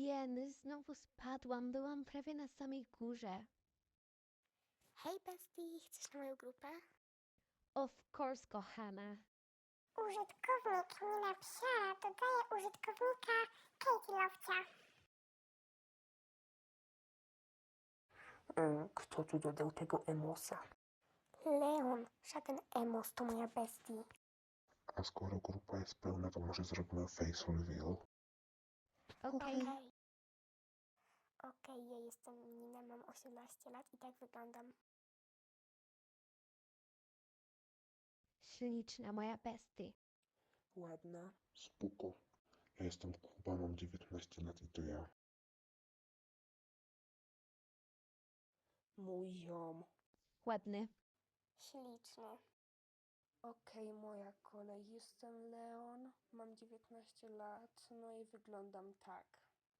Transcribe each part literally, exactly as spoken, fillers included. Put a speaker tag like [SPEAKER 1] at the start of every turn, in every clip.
[SPEAKER 1] Jeny, znowu spadłam. Byłam prawie na samej górze.
[SPEAKER 2] Hej bestii, chcesz na moją grupę?
[SPEAKER 1] Of course, kochana.
[SPEAKER 2] Użytkownik Nina Psia dodaje użytkownika Katie Lowcia.
[SPEAKER 3] E, Kto tu dodał tego emosa?
[SPEAKER 2] Leon, żaden emos to moja bestii.
[SPEAKER 4] A skoro grupa jest pełna, to może zrobimy face reveal.
[SPEAKER 1] Okej.
[SPEAKER 2] Okej, Okej, ja jestem Nina, mam osiemnaście lat i tak wyglądam.
[SPEAKER 1] Śliczna moja bestie.
[SPEAKER 3] Ładna.
[SPEAKER 4] Spoko. Ja jestem Kuba, mam dziewiętnaście lat i to ja.
[SPEAKER 3] Mój ziom.
[SPEAKER 1] Ładny.
[SPEAKER 2] Śliczny.
[SPEAKER 3] Okej, moja kolej. Jestem Leon, mam dziewiętnaście lat, no i wyglądam tak.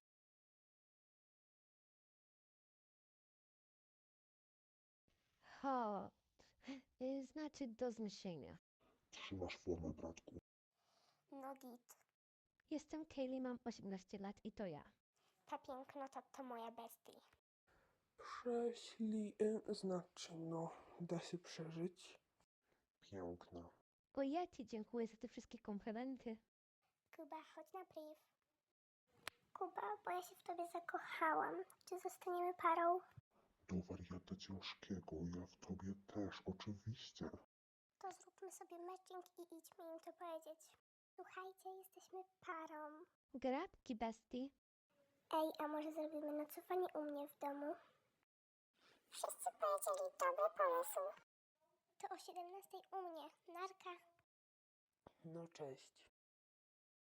[SPEAKER 1] Hot. Y, Znaczy do zniesienia.
[SPEAKER 4] Trzymasz formę, bratku.
[SPEAKER 2] No git.
[SPEAKER 1] Jestem Kaylee, mam osiemnaście lat i to ja.
[SPEAKER 2] Ta pięknota to moja bestii.
[SPEAKER 3] Prześli... e, Znaczy, no, da się przeżyć.
[SPEAKER 4] Piękna.
[SPEAKER 1] O, ja ci dziękuję za te wszystkie komplementy.
[SPEAKER 2] Kuba, chodź na priv. Kuba, bo ja się w tobie zakochałam. Czy zostaniemy parą?
[SPEAKER 4] Do wariata ciężkiego, ja w tobie też, oczywiście.
[SPEAKER 2] To zróbmy sobie matching i idźmy im to powiedzieć. Słuchajcie, jesteśmy parą.
[SPEAKER 1] Gratki, bestie.
[SPEAKER 2] Ej, a może zrobimy nocowanie u mnie w domu? Wszyscy powiedzieli dobry pomysł. To o siedemnastej u mnie. Narka.
[SPEAKER 3] No cześć.